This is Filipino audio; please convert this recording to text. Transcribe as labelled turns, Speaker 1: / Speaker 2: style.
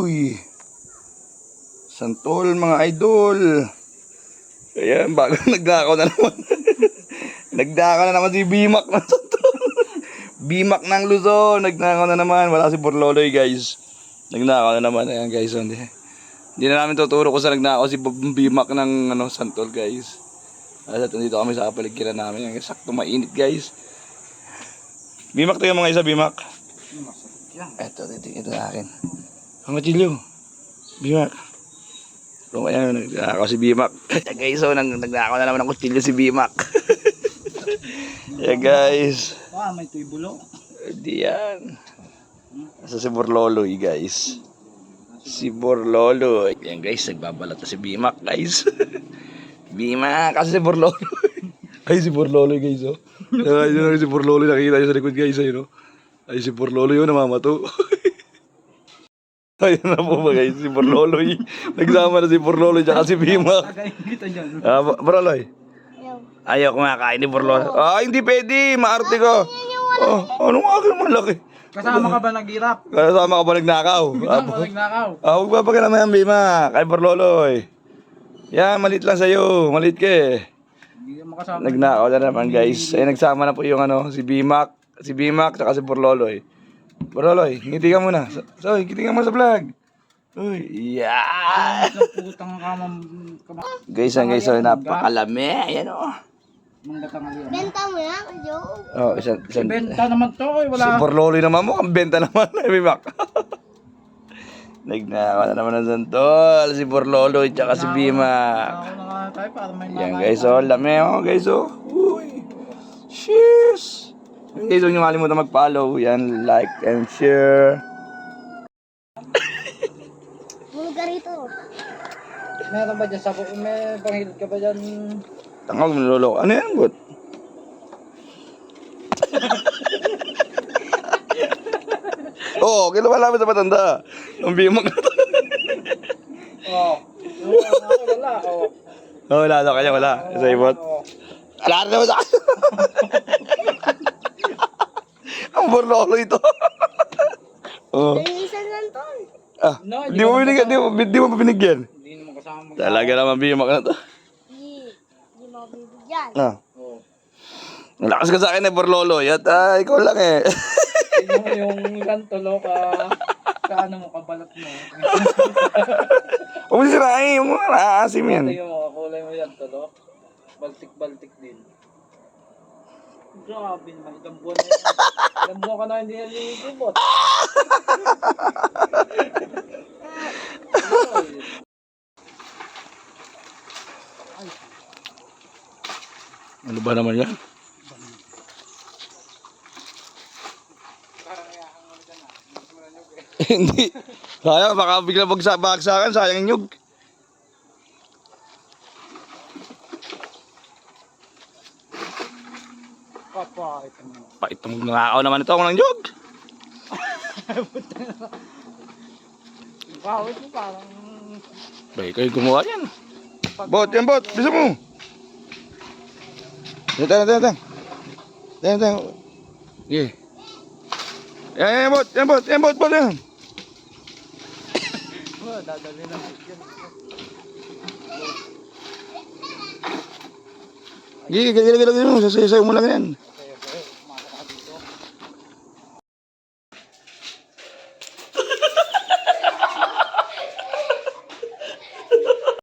Speaker 1: Uy. Santol mga idol. Ayan, bago nagdakaw na naman. Nagdakaw na naman si Bimak ng Santol. Bimak ng Luzon. Nagdakaw na naman. Wala si Borloloy guys. Nagdakaw na naman. Ayan guys. Hindi na namin tuturo kung saan nagnakaw si Bimak ng Santol guys. At dito kami sa paligiran namin. Sakto mainit guys. Bimak to yung mga isa, Bimak. Ito na akin. Ang matilyo. Bimak. Kung ayan, nagnakaw si Bimak. Guys, so nagnakaw na naman ng kutilyo si Bimak. Yeah guys.
Speaker 2: May tuibulo.
Speaker 1: Hindi yan. Asa si Borloloy guys. Si Borloloy. Yan guys, nagbabalat na si Bimak guys. Bimak, kasi si Borloloy. Ay si Borloloy guys oh. Ay si Borloloy, nakikita nyo sa likod guys ayun oh. Ay si Borloloy yun, namamato. Ayun na po ba guys, si Borloloy. Nagsama na si Borloloy tsaka si Bimak. Borloloy. Ayaw kumakain ni Borloloy. Hindi pwede, maarte ka. Anong akin malaki?
Speaker 2: Kasama ka ba naghirap?
Speaker 1: Kasama ka ba nagnakaw?
Speaker 2: Nagnakaw.
Speaker 1: Huwag ba pakilaman yan Bimak, kay Borloloy. Yan, malit lang sa'yo, malit ka eh. Nagnakaw na naman guys. Ay nagsama na po yung si Bimak. Si Bimak tsaka si Borloloy. Borloloy, ngiti ka muna. So, ngiti ka muna sa vlog. Uy, yeah! Guys, napakalami. Ayan o.
Speaker 3: Benta mo yan, Joe.
Speaker 1: Isang
Speaker 2: Benta naman to, wala.
Speaker 1: Si Borloloy naman mo, ang benta naman. Bimak. Nagnakaw na naman ng Santol. Si Borloloy tsaka si Bimak. Yan guys, lami guys Uy. Cheers! Guys, huwag niyo makalimutan mag-follow. Yan, like and share.
Speaker 3: Buluga rito.
Speaker 2: Meron ba dyan sa buong? May panghilid ka ba dyan?
Speaker 1: Tangog, niloloko. Ano yan, bot? Oo, kilala namin sa matanda. Ang Bimak na to.
Speaker 2: Wala.
Speaker 1: Wala daw kanya, wala. Sa ibot. Wala na naman sa akin. Ang Borloloy ito.
Speaker 3: Isa Santol.
Speaker 1: Di mo binigyan, di mo binigyan.
Speaker 2: Hindi naman kasama.
Speaker 1: Talaga naman Bimak na to.
Speaker 3: Hindi mo bibigyan.
Speaker 1: Lakas ka sa akin Borloloy at ikaw lang eh.
Speaker 2: Yung Santolo ka, kaano mo, kabalat mo.
Speaker 1: Huwag mo sirain, huwag mo naaasim yan.
Speaker 2: Ito yung mga kulay mo yan, tolo. Baltik-baltik din. Grabe naman, ilang buwan na yan. Ilang buwan ka na hindi nalilibot.
Speaker 1: Ano ba naman yan? Hindi. Sayang, baka bigla bagsakan, sayang yung nyug. Pait mo nangakaw naman ito ako ng nyug.
Speaker 2: Bawit mo parang...
Speaker 1: Bay, kayo gumawa yan. Bot, yan bot, bisa mo. Teng. Okay. Yan bot.
Speaker 2: Dadali na yan.
Speaker 1: Gila mo, sasayaw mo lang yan.